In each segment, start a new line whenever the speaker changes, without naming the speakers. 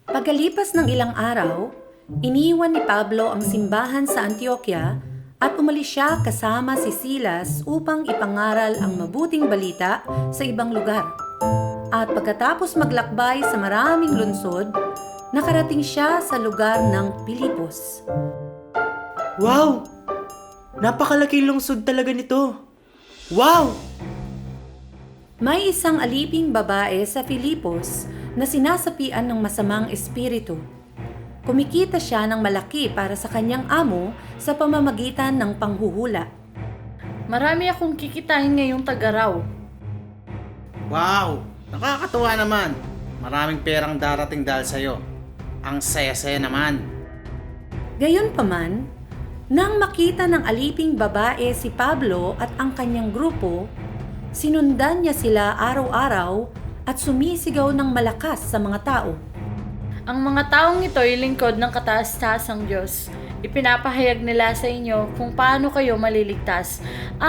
Pagkalipas ng ilang araw, iniwan ni Pablo ang simbahan sa Antioquia at umalis siya kasama si Silas upang ipangaral ang mabuting balita sa ibang lugar. At pagkatapos maglakbay sa maraming lungsod, nakarating siya sa lugar ng Pilipos.
Wow! Napakalaking lungsod talaga nito. Wow!
May isang aliping babae sa Filipos na sinasapian ng masamang espiritu. Kumikita siya ng malaki para sa kanyang amo sa pamamagitan ng panghuhula.
Marami akong kikitain ngayong tagaraw.
Wow! Nakakatuwa naman. Maraming perang darating dahil sa'yo. Ang saya-saya naman.
Gayunpaman, nang makita ng aliping babae si Pablo at ang kanyang grupo, sinundan niya sila araw-araw at sumisigaw ng malakas sa mga tao.
Ang mga taong ito ay lingkod ng kataas-taasang Diyos. Ipinapahayag nila sa inyo kung paano kayo maliligtas.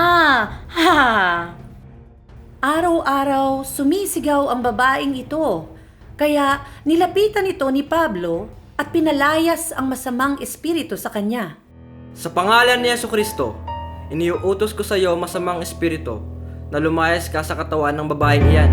Araw-araw sumisigaw ang babaeng ito, kaya nilapitan ito ni Pablo at pinalayas ang masamang espiritu sa kanya.
Sa pangalan ni Jesucristo, iniuutos ko sa iyo masamang espiritu na lumayas ka sa katawan ng babaeng iyan.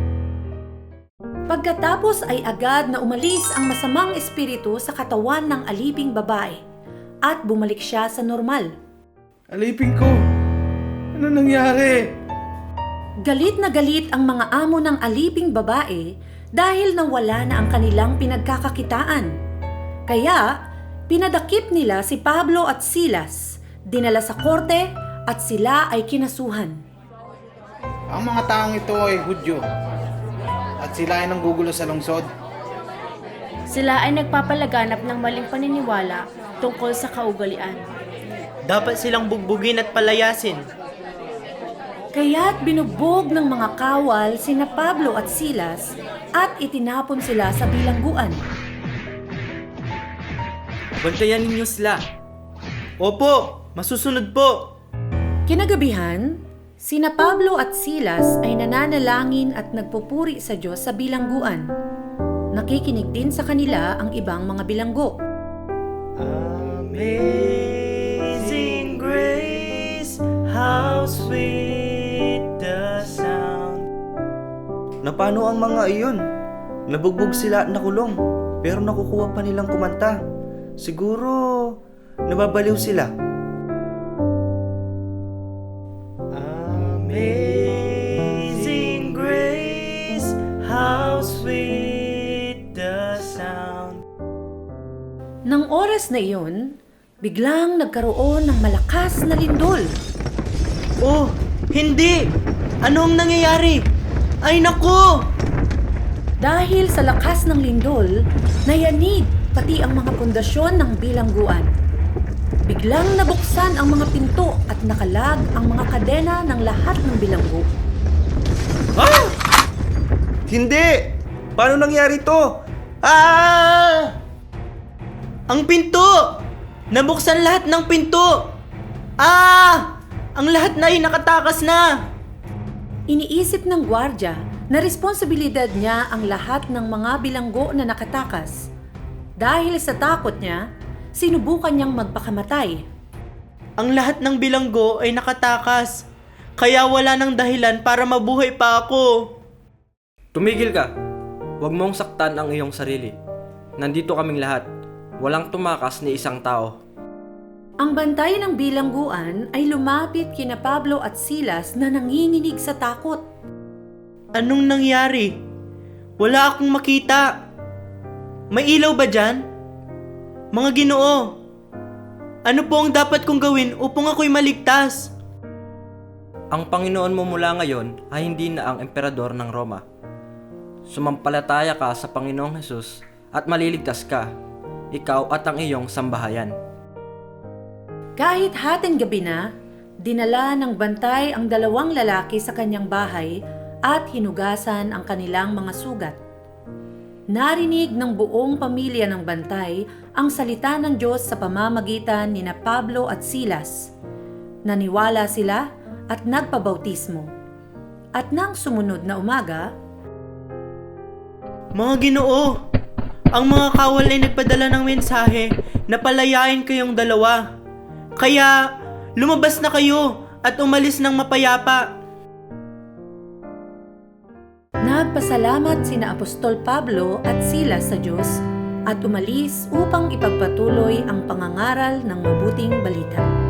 Pagkatapos ay agad na umalis ang masamang espiritu sa katawan ng aliping babae at bumalik siya sa normal.
Alipin ko! Ano nangyari?
Galit na galit ang mga amo ng aliping babae dahil nawala na ang kanilang pinagkakakitaan. Kaya, pinadakip nila si Pablo at Silas, dinala sa korte at sila ay kinasuhan.
Ang mga taong ito ay Hudyo. At sila ay nanggugulo sa lungsod.
Sila ay nagpapalaganap ng maling paniniwala tungkol sa kaugalian.
Dapat silang bugbugin at palayasin.
Kaya't binugbog ng mga kawal sina Pablo at Silas at itinapon sila sa bilangguan.
Bantayan ninyo sila. Opo, masusunod po.
Kinagabihan, sina Pablo at Silas ay nananalangin at nagpupuri sa Diyos sa bilangguan. Nakikinig din sa kanila ang ibang mga bilanggo.
Amazing grace, how sweet the sound. Napano ang mga iyon? Nabugbog sila at nakulong, pero nakukuha pa nilang kumanta. Siguro, nababaliw sila. Amazing grace, how sweet the sound.
Nang oras na iyon, biglang nagkaroon ng malakas na lindol.
Oh, hindi! Anong nangyayari? Ay naku!
Dahil sa lakas ng lindol, nayanig pati ang mga pundasyon ng bilangguan. Biglang nabuksan ang mga pinto at nakalag ang mga kadena ng lahat ng bilanggo.
Ah! Hindi! Paano nangyari to? Ah! Ang pinto! Nabuksan lahat ng pinto! Ah! Ang lahat na ay nakatakas na!
Iniisip ng gwardya na responsibilidad niya ang lahat ng mga bilanggo na nakatakas. Dahil sa takot niya, sinubukan niyang magpakamatay.
Ang lahat ng bilanggo ay nakatakas, kaya wala nang dahilan para mabuhay pa ako. Tumigil ka. Huwag mong saktan ang iyong sarili. Nandito kaming lahat. Walang tumakas ni isang tao.
Ang bantay ng bilangguan ay lumapit kina Pablo at Silas na nanginginig sa takot.
Anong nangyari? Wala akong makita. May ilaw ba dyan? Mga Ginoo, ano po ang dapat kong gawin upang ako'y maligtas? Ang Panginoon mo mula ngayon ay hindi na ang emperador ng Roma. Sumampalataya ka sa Panginoong Hesus at maliligtas ka, ikaw at ang iyong sambahayan.
Kahit hating gabi na, dinala ng bantay ang dalawang lalaki sa kanyang bahay at hinugasan ang kanilang mga sugat. Narinig ng buong pamilya ng bantay ang salita ng Diyos sa pamamagitan ni Pablo at Silas. Naniwala sila at nagpabautismo. At nang sumunod na umaga,
Mga Ginoo, Ang mga kawal ay nagpadala ng mensahe na palayain kayong dalawa. Kaya, lumabas na kayo at umalis ng mapayapa.
Nagpasalamat sina Apostol Pablo at Silas sa Diyos at umalis upang ipagpatuloy ang pangangaral ng mabuting balita.